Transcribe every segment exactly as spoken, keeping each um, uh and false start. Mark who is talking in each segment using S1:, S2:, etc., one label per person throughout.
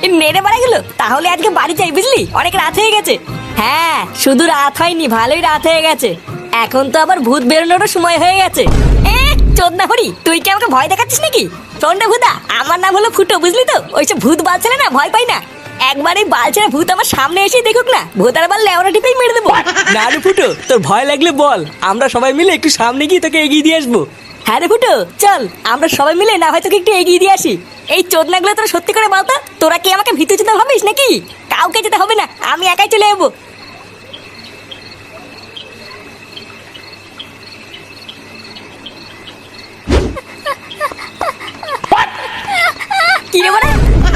S1: নেড়ে বাড়া গেলো। তাহলে আজকে বাড়ি যাই, বুঝলি, অনেক রাত হয়ে গেছে। হ্যাঁ, শুধু রাত হয়নি, ভালোই রাত হয়ে গেছে। এখন তো আবার ভূত বেরোনোরও সময় হয়ে গেছে। এ চোদনা হরি, তুই কি আমাকে ভয় দেখাচ্ছিস নাকি? শোন রে ভূতা, আমার নাম হলো ফুটো, বুঝলি তো? ওইসব ভূত বালছেলে না ভয় পাই না। একবার এই বালছেরা ভূত আমার সামনে এসে দেখুক না, ভূতার বাল লেওরা টিপেই মেরে দেবো।
S2: না রে ফুটো, তোর ভয় লাগলে বল, আমরা সবাই মিলে একটু সামনে গিয়ে তোকে এগিয়ে দিয়ে আসবো।
S1: হ্যাঁ রে ফুটো, চল আমরা সবাই মিলে না হয় তোকে একটু এগিয়ে দিয়ে আসি। এই চোদনাগুলো তোরা সত্যি করে বলতো, তোরা কি আমাকে ভিতর যেতে ভাবিস নাকি? কাউকে যেতে হবে না, আমি একাই চলে যাবো। কি রে বড়া?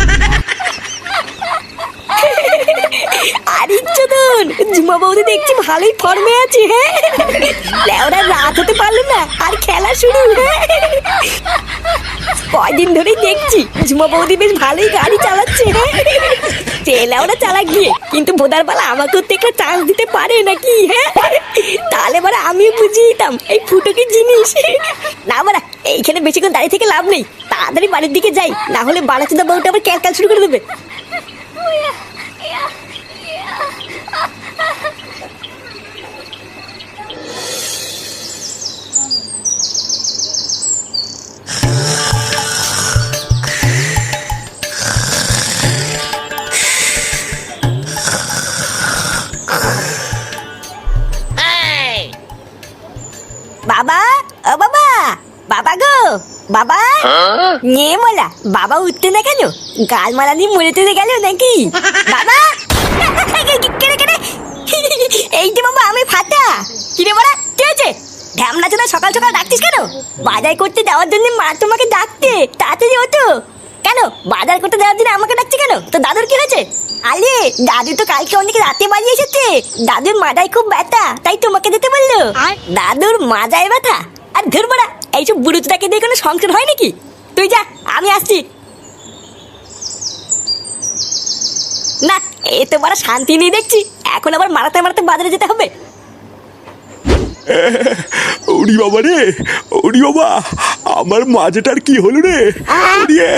S1: আরে চোদন, ঝুমা বৌদি দেখছি ভালোই ফর্মে আছে। হ্যাঁ, লেওরা রাত হতে পারলো না আর খেলা শুরু। হ্যাঁ, কয়দিন ধরেই দেখছি ঝুমা বৌদি বেশ ভালোই গাড়ি চালাচ্ছে। হ্যাঁ, ছেলেওরা চালাক গিয়ে, কিন্তু বোদার বেলা আমাকেও তো একটা চান্স দিতে পারে নাকি? হ্যাঁ, তাহলে এবার আমিও বুঝিয়ে দিতাম এই ফুটো কি জিনিস। না বাড়া, এইখানে বেশিক্ষণ দাঁড়িয়ে থেকে লাভ নেই, তাড়াতাড়ি বাড়ির দিকে যাই, না হলে বাড়াচোদা বউটা আবার ক্যালকাল শুরু করে দেবে। বাবা, ও বাবা, বাবা গো, বাবা। নিয়ে মোলা বাবা উঠতে না কেন? গাল মালা নিয়ে মরে তুলে গেল নাকি? বাবা, কেড়ে কেড়ে, এই যে বাবা আমি ফাটা। কিরে বড়া, কি হয়েছে? ঢ্যামনা চোদা সকাল সকাল ডাকতিস কেন? বাজার করতে যাওয়ার জন্য মা তোমাকে ডাকতে, তাড়াতাড়ি ওঠো। কেন বাজার করতে যাওয়ার জন্য আমাকে ডাকছে কেন? তো দাদুর কি হয়েছে? আরে দাদু তো কালকে অনেক রাতে বাড়ি এসেছে, দাদুর মাথায় খুব ব্যথা, তাই তোমাকে যেতে বললো। দাদুর মাজায় ব্যথা? আর ধর বড়া, এইসব বুড়োটাকে দিয়ে কোনো সংসার হয় নাকি? তুই যা, আমি আসছি। না, এ তো বড় শান্তি নেই দেখছি, এখন আবার মারাতে মারাতে বাজারে যেতে হবে।
S3: ওরি বাবা রে, ওরি বাবা, আমার মাজাটার কি হলো রে? ওরিয়ে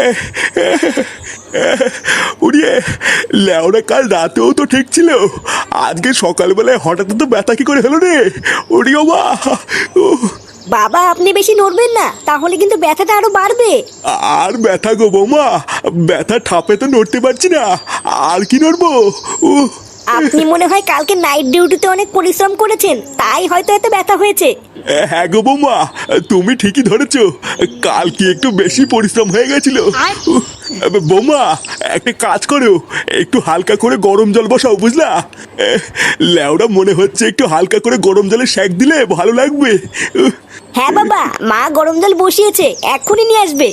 S3: ওরিয়ে, লেওরা কাল রাতেও তো ঠিক ছিল, আজকে সকালবেলায় হঠাৎ তো ব্যথা কি করে হলো রে? ওরি বাবা।
S1: বাবা আপনি বেশি নড়বেন না, তাহলে কিন্তু ব্যথাটা আরো বাড়বে।
S3: আর ব্যথা গো বৌমা, ব্যথা ঠাপে তো নড়তে পারছি না, আর কি নড়বো? উহ,
S1: আপনি মনে হয় কালকে নাইট ডিউটিতে অনেক পরিশ্রম করেছেন, তাই হয়তো এত ব্যথা হয়েছে।
S3: হ্যাঁ গো বৌমা, তুমি ঠিকই ধরেছো, কাল কি একটু বেশি পরিশ্রম হয়ে গেছিল। উহ, বৌমা একটা কাজ করো, একটু হালকা করে গরম জল বসাও, বুঝলা? লেওরা মনে হচ্ছে একটু হালকা করে গরম জলে সেঁক দিলে ভালো লাগবে। উহ,
S1: হ্যাঁ বাবা, মা গরম জল বসিয়েছে, এক্ষুনি নিয়ে আসবে।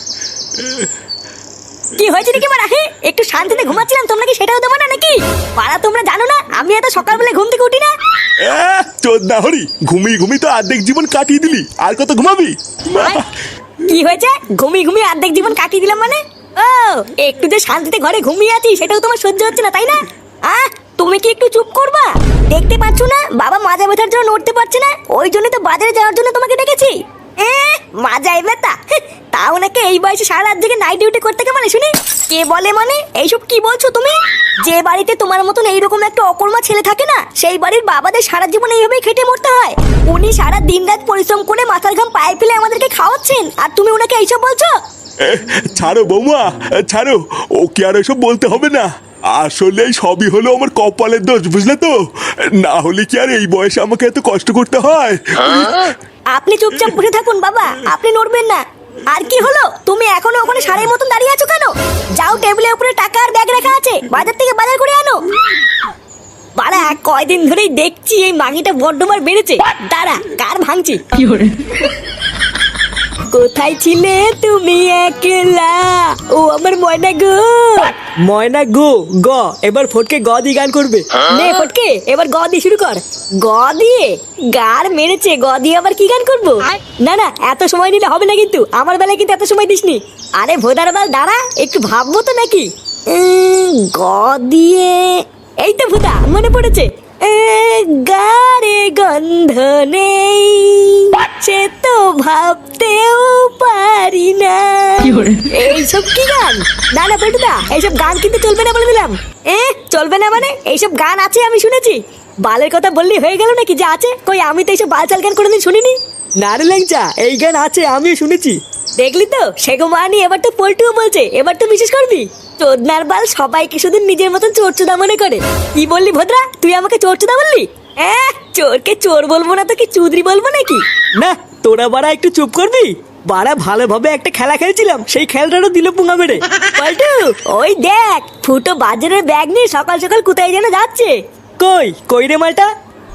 S1: কি হয়েছে নাকি মারা? হ্যাঁ, একটু শান্তিতে ঘুমাচ্ছিলাম, তোমরা কি সেটাও দেবো না নাকি? পাড়া তোমরা জানো না আমি এত সকালবেলা ঘুম থেকে উঠি না?
S3: চোদ্দা হরি, ঘুমিয়ে ঘুমিয়ে তো অর্ধেক জীবন কাটিয়ে দিলি, আর কত ঘুমাবি?
S1: কি হয়েছে? ঘুমিয়ে ঘুমিয়ে অর্ধেক জীবন কাটিয়ে দিলাম মানে? ও, একটু যে শান্তিতে ঘরে ঘুমিয়ে আছি সেটাও তোমার সহ্য হচ্ছে না, তাই না? আহ, তুমি কি একটু চুপ করবা? দেখতে পাচ্ছ না বাবা মাজা ব্যথার জন্য নড়তে পারছে না, ওই জন্য তো বাজারে যাওয়ার জন্য তোমাকে ডেকেছি। এ মাজায় ব্যথা? তাও নাকি এই বয়সে সারা রাত জেগে নাইট ডিউটি করতে কে মানে শুনি? কে বলে মানে? এইসব কি বলছো তুমি? যে বাড়িতে তোমার মতন এইরকম একটা অকর্মা ছেলে থাকে না, সেই বাড়ির বাবাদের সারা জীবন এইভাবেই খেটে মরতে হয়। উনি সারা দিন রাত পরিশ্রম করে মাথার ঘাম পায়ে ফেলে আমাদেরকে খাওয়াচ্ছেন, আর তুমি ওনাকে এইসব বলছো?
S3: ছাড়ো বৌমা, ছাড়ো, ও কি আর এসব বলতে হবে না, আসলে সবই হলো আমার কপালের দোষ, বুঝলে তো? না হলে কি আর এই বয়সে আমাকে এত কষ্ট করতে হয়?
S1: আপনি চুপচাপ বসে থাকুন বাবা, আপনি নড়বেন না। আর কি হলো, তুমি এখনো ওখানে সারের মতন দাঁড়িয়ে আছো কেন? যাও, টেবিলের উপরে টাকা আর ব্যাগ রাখা আছে, বাজার থেকে বাজার করে আনো। বাড়া কয়দিন ধরেই দেখছি এই মাগিটা বড্ডমার বেড়েছে, দাঁড়া কার ভাঙছি। কোথায় ছিলে তুমি একলা, ও আমার ময়না গো?
S2: ময়না গো গ, এবার ফটকে গ দিয়ে গান করবে।
S1: নে ফটকে, এবার গ দিয়ে শুরু কর। গ দিয়ে? গার মেরেছে, গ দিয়ে আবার কি গান করবো? না না, এত সময় নিলে হবে না, কিন্তু আমার বেলায় কিন্তু এত সময় দিসনি। আরে ভোদার বাল দাঁড়া, একটু ভাববো তো নাকি। উম, গ দিয়ে, এই তো ভুদা মনে পড়েছে। এ গারে গন্ধ নেই, সে তো ভাবতেও পারি না। এইসব কি গান? না না পেটুদা, এইসব গান কিন্তু চলবে না বলে দিলাম। এ চলবে না মানে? এইসব গান আছে আমি শুনেছি। বালের কথা বললি হয়ে গেল নাকি যে আছে? কই আমি তো এইসব বালচাল গান কোনোদিন শুনিনি।
S2: না রে ল্যাংচা, এই গান আছে, আমিও শুনেছি।
S1: দেখলি তো, সেগো মানি এবার তো পল্টুও বলছে, এবার তো বিশেষ করবি। চোদনার বাল সবাইকে শুধু নিজের মতন চোরচুদা মনে করে। কি বললি ভদ্রা, তুই আমাকে চোরচুদা বললি? হ্যাঁ, চোরকে চোর বলবো না তো কি চুদরি বলবো নাকি?
S2: না, তোরা বাড়া একটু চুপ করবি। বাড়া ভালোভাবে একটা খেলা খেলছিলাম, সেই খেলাটারও দিল পুঙ্গা মেরে।
S1: পল্টু, ওই দেখ ফুটো বাজারের ব্যাগ নিয়ে সকাল সকাল কোথায় যেন যাচ্ছে।
S2: কই কই রে মালটা?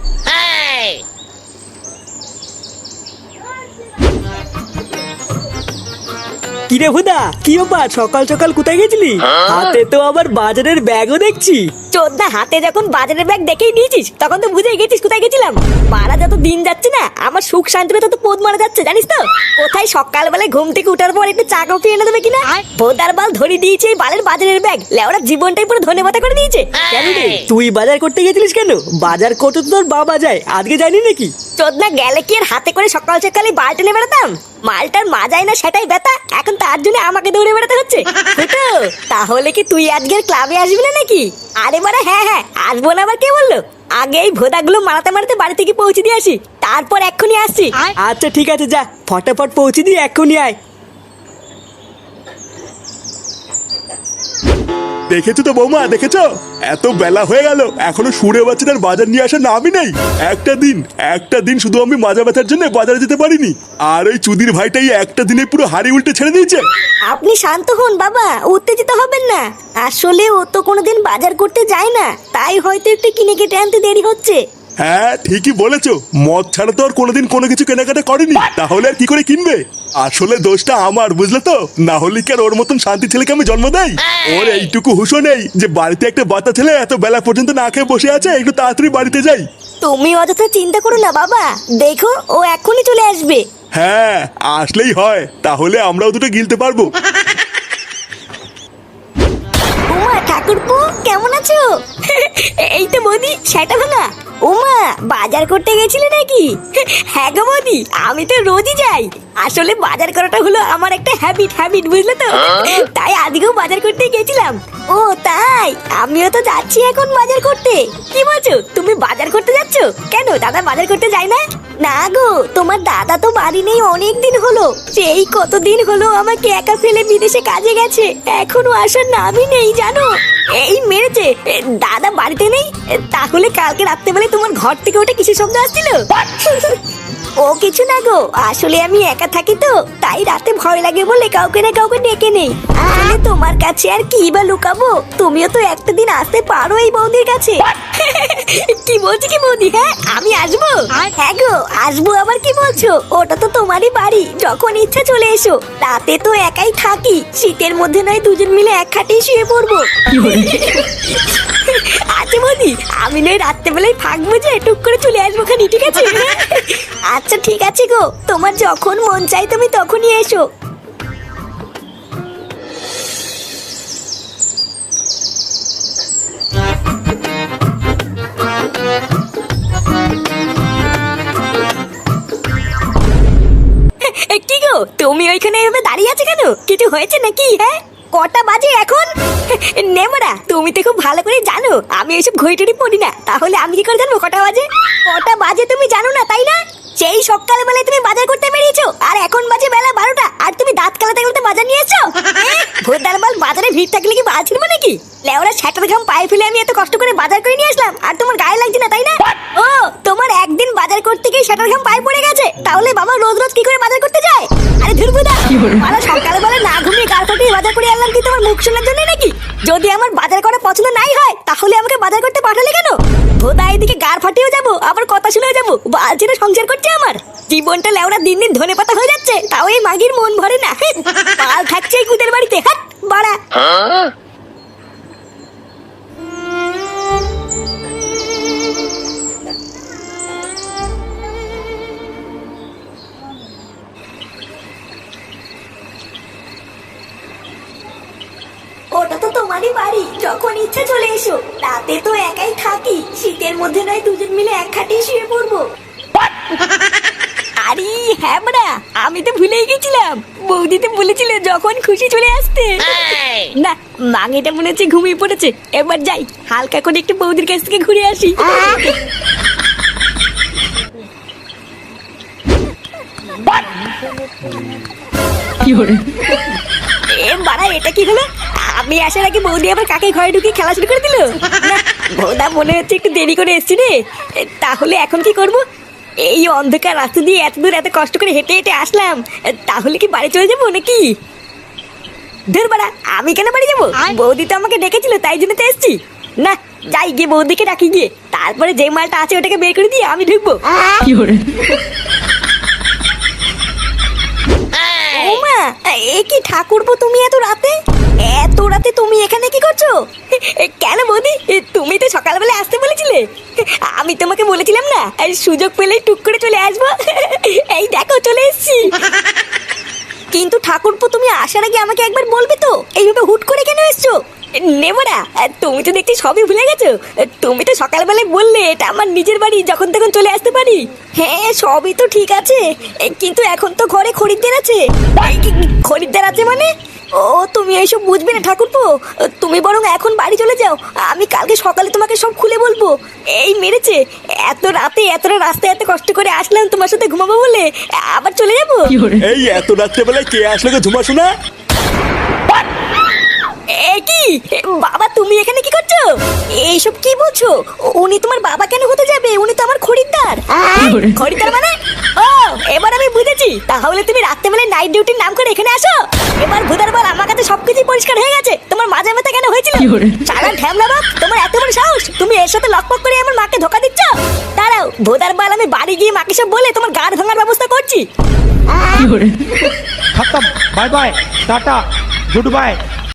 S2: কিরে হুদা, কি ব্যাপার? সকাল সকাল কোথায় গেছিলি? হাতে তো আবার বাজারের ব্যাগও দেখছি।
S1: চোদ্দা হাতে যখন বাজারের ব্যাগ দেখেই নিয়েছিস, তখন তো বুঝেই গেছিস কোথায় গেছিলাম। মারা যত দিন যাচ্ছে না, আমার সুখ শান্তিতে তত পোদ মারা যাচ্ছে, জানিস তো? কোথায় সকালবেলায় ঘুম থেকে উঠার পর একটু চা কফি এনে দেবে কিনা, বোদার বাল ধরে দিয়েছে এই বালের বাজারের ব্যাগ। লেওড়া জীবনটাই পুরো ধনে পাতা করে দিয়েছে।
S2: কেন রে, তুই বাজার করতে গেছিলিস কেন? বাজার করতে তো তোর বাবা যায়, আজকে যায়নি নাকি?
S1: চোদ্দা গেলে কি আর হাতে করে সকাল সকালে বালটা নিয়ে বেড়াতাম? মালটার মাজাই না সেটাই ব্যথা, এখন তার জন্য আমাকে দৌড়ে বেড়াতে হচ্ছে। ফুটো, তাহলে কি তুই আজকের ক্লাবে আসবি না নাকি? আরে বাড়া হ্যাঁ হ্যাঁ আসবো না, আবার কে বললো? আগে এই ভোদাগুলো মারাতে মারাতে বাড়ি থেকে পৌঁছে দিয়ে আসি, তারপর এক্ষুনি আসছি।
S2: আচ্ছা ঠিক আছে, যা ফটাফট পৌঁছে দিয়ে এক্ষুনি আয়।
S3: দেখেছো তো বৌমা, দেখেছো? এত বেলা হয়ে গেল, এখনো সুরে বাচ্চাটার বাজার নিয়ে আসার নামই নেই। একটা দিন একটা দিন শুধু আমি মাজা ব্যথার জন্য বাজারে যেতে পারিনি, আর ওই চুদির ভাইটাই একটা দিনে পুরো হাড়ি উল্টে ছেড়ে দিয়েছে।
S1: আপনি শান্ত হন বাবা, উত্তেজিত হবেন না। আসলে ও তো কোনোদিন বাজার করতে যায় না, তাই হয়তো একটু কিনে কেটে আনতে দেরি হচ্ছে।
S3: হ্যাঁ ঠিকই বলেছো, মদ ছাড়া তো আর কোনোদিন কোনো কিছু কেনাকাটা করেনি, তাহলে আর কি করে কিনবে? আসলে দোষটা আমার, বুঝলে তো? না হলে কি আর ওর মতন শান্তি ছেলেকে আমি জন্ম দেই? ওর এইটুকু হুঁশও নেই যে বাড়িতে একটা বাচ্চা ছেলে এত বেলা পর্যন্ত না খেয়ে বসে আছে, একটু তাড়াতাড়ি বাড়িতে যাই।
S1: তুমি অযথা চিন্তা করো না বাবা, দেখো ও এখনই চলে আসবে।
S3: হ্যাঁ আসলেই হয়, তাহলে আমরাও দুটো গিলতে পারবো।
S1: উমা ঠাকুরপো, কেমন আছো? এই তো বৌদি, সেটা ভাঙা। উমা বাজার করতে গেছিলে নাকি? হ্যাঁ গো বৌদি, আমি তো রোজই যাই। আসলে বাজার করাটা হলো আমার একটা হ্যাবিট হ্যাবিট বুঝলে তো, তাই আজকেও বাজার করতে গেছিলাম। ও তাই, আমিও তো যাচ্ছি এখন বাজার করতে। কি বলছো, তুমি বাজার করতে যাচ্ছ? কেন দাদা বাজার করতে যায় না? না গো, তোমার দাদা তো বাড়ি নেই অনেক দিন হলো। সেই কতদিন হলো আমাকে একা ফেলে বিদেশে কাজে গেছে, এখনো আসার নামই নেই জানো। এই মেরেছে। দাদা বাড়িতে নেই? তাহলে কালকে রাত্রেবেলায় তোমার ঘর থেকে ওটা কিসের শব্দ আসছিল? ও কিছু না গো, আসলে আমি একা থাকি তো, তাই রাতে ভয় লাগে বলে কাউকে না কাউকে ডেকে নেই। আসলে তোমার কাছে আর কি বা লুকাবো, তুমিও তো একটা দিন আসতে পারো এই বৌদির কাছে। কি বলছি কি বৌদি? হ্যাঁ আমি আসবো। হ্যাঁ গো আসবো, আবার কি বলছো? ওটা তো তোমারই বাড়ি, যখন ইচ্ছা চলে এসো। রাতে তো একাই থাকি, শীতের মধ্যে নয় দুজন মিলে এক খাটেই শুয়ে পড়বো। আচ্ছা বৌদি, আমি নয় রাত্রেবেলায় থাকবো, যে টুক করে চলে আসবো খানি, ঠিক আছে? আচ্ছা ঠিক আছে গো, তোমার যখন মন চাই তুমি তখনই এসো। কি গো, তুমি ওইখানে এভাবে দাঁড়িয়ে আছো কেন? কিছু হয়েছে নাকি? হ্যাঁ কটা বাজে এখন? নেমরা, তুমি তো খুব ভালো করে জানো আমি এইসব ঘড়িটড়ি পড়ি না, তাহলে আমি কি করে জানবো কটা বাজে? কটা বাজে তুমি জানো না তাই না? সেই সকালবেলায় তুমি বাজার করতে বেরিয়েছো, আর এখন বাজে বেলা বারোটা, আর তুমি দাঁত কালাতে কালাতে বাজার নিয়ে এসছো? ভোরদার বাল, বাজারে ভিড় থাকলে কি বাল ছিড়বো নাকি? লেওরা ছাটার ঘাম পায়ে ফেলে আমি এত কষ্ট করে বাজার করে নিয়ে আসলাম, আর তোমার গায়ে লাগছে না তাই না? ও তোমার একদিন বাজার করতে গিয়ে ছাটার ঘাম পায়ে পড়ে গেছে, তাহলে বাবা রোজ রোজ কি করে বাজার করতে যায়? আরে ধুরবুদা, মারা সকালবেলা না ঘুমিয়ে গাল ফাটিয়ে বাজার করে আনলাম কি তোমার মুখ শোনার জন্য নাকি? যদি আমার বাজার করা পছন্দ নাই হয়, তাহলে আমাকে বাজার করতে পাঠালে কেন? ভোদা এদিকে গার ফাটিয়েও যাবো, আবার কথা শুনেও যাবো, বালছিনা সংসার করছে আমার। জীবনটা লেওরা দিন দিন ধনে পাতা হয়ে যাচ্ছে, তাও এই মাগির মন ভরে না। পাল থাকছে এই কুদের বাড়িতে, হাট বাড়া। ওটা তো তোমার আমারই বাড়ি, যখন ইচ্ছা চলে এসো। রাতে তো একাই থাকি, শীতের মধ্যে নয় দুজন মিলে এক খাটিয়ে শুয়ে পড়বো। আরে হ্যাঁ বড়া, আমি তো ভুলেই গেছিলাম। বৌদি তো বলেছিল যখন খুশি চলে আসতে। না, মাঙিটা মনে হচ্ছে ঘুমিয়ে পড়েছে। এবার যাই, হালকা করে একটু বৌদির কাছ থেকে ঘুরে আসি। এ বাড়া, এটা কি হলো? আমি আসার আগে বৌদি আবার কাকে ঘরে ঢুকিয়ে খেলা শুরু করে দিল। না, বৌদা মনে হচ্ছে একটু দেরি করে এসছি রে। এ, তাহলে এখন কি করব? এই অন্ধকার রাস্তা দিয়ে এত দূর এত কষ্ট করে হেঁটে হেঁটে আসলাম, এ, তাহলে কি বাড়ি চলে যাবো নাকি? ধুর বাড়া, আমি কেন বাড়ি যাবো? বৌদি তো আমাকে ডেকেছিল, তাই জন্য তো এসছি। না, যাই গিয়ে বৌদিকে ডাকি গিয়ে, তারপরে যে মালটা আছে ওটাকে বের করে দিয়ে আমি ঢুকবো। ওমা, এ কি ঠাকুরপো, তুমি এত রাতে এত রাতে তুমি এখানে কি করছো? এ, কেন বৌদি, এ, তুমি তো সকালবেলা আসতে বলেছিলে। আমি তোমাকে বলেছিলাম না, এই সুযোগ পেলেই টুক করে চলে আসবো। এই দেখো চলে এসেছি। কিন্তু ঠাকুরপো, তুমি আসার আগে আমাকে একবার বলবে তো, এইভাবে হুট করে কেন এসছো? নেবরা, তুমি তো দেখছি সবই ভুলে গেছো। তুমি তো সকালবেলায় বললে এটা আমার নিজের বাড়ি, যখন তখন চলে আসতে পারি। হ্যাঁ, সবই তো ঠিক আছে, কিন্তু এখন তো ঘরে খরিদ্দার আছে। খরিদ্দার আছে মানে? ও, তুমি এইসব বুঝবে না ঠাকুরপো। তুমি বরং এখন বাড়ি চলে যাও, আমি কালকে সকালে তোমাকে সব খুলে বলবো। এই মেরেছে, এত রাতে এতটা রাস্তায় এত কষ্ট করে আসলাম তোমার সাথে ঘুমাবো বলে, আবার চলে যাবো?
S3: এই এত রাত্রেবেলায় কে আসলো গো ঝুমাশো না?
S1: এ কি বাবা, তুমি এখানে কি করছো? এইসব কি বলছো? উনি তোমার বাবা কেন হতে যাবে? উনি তো আমার খরিদ্দার। খরিদ্দার মানে? ও, এবার আমি বুঝেছি। তাহলে তুমি রাত্রেবেলায় নাইট ডিউটির নাম করে এখানে আসো। এবার ভুদার বল, আমার কাছে সবকিছু পরিষ্কার হয়ে গেছে। তোমার মাঝে মাথা কেন হয়েছিল? সারা ঢ্যামলা বাপ, তোমার এত বড় সাহস! তুমি এর সাথে লকপক করে আমার মাকে ধোকা দিচ্ছ। দাঁড়াও ভুদার বল, আমি বাড়ি গিয়ে মাকে সব বলে তোমার গাড় ভাঙার ব্যবস্থা করছি।
S4: खत्म bye bye tata good bye.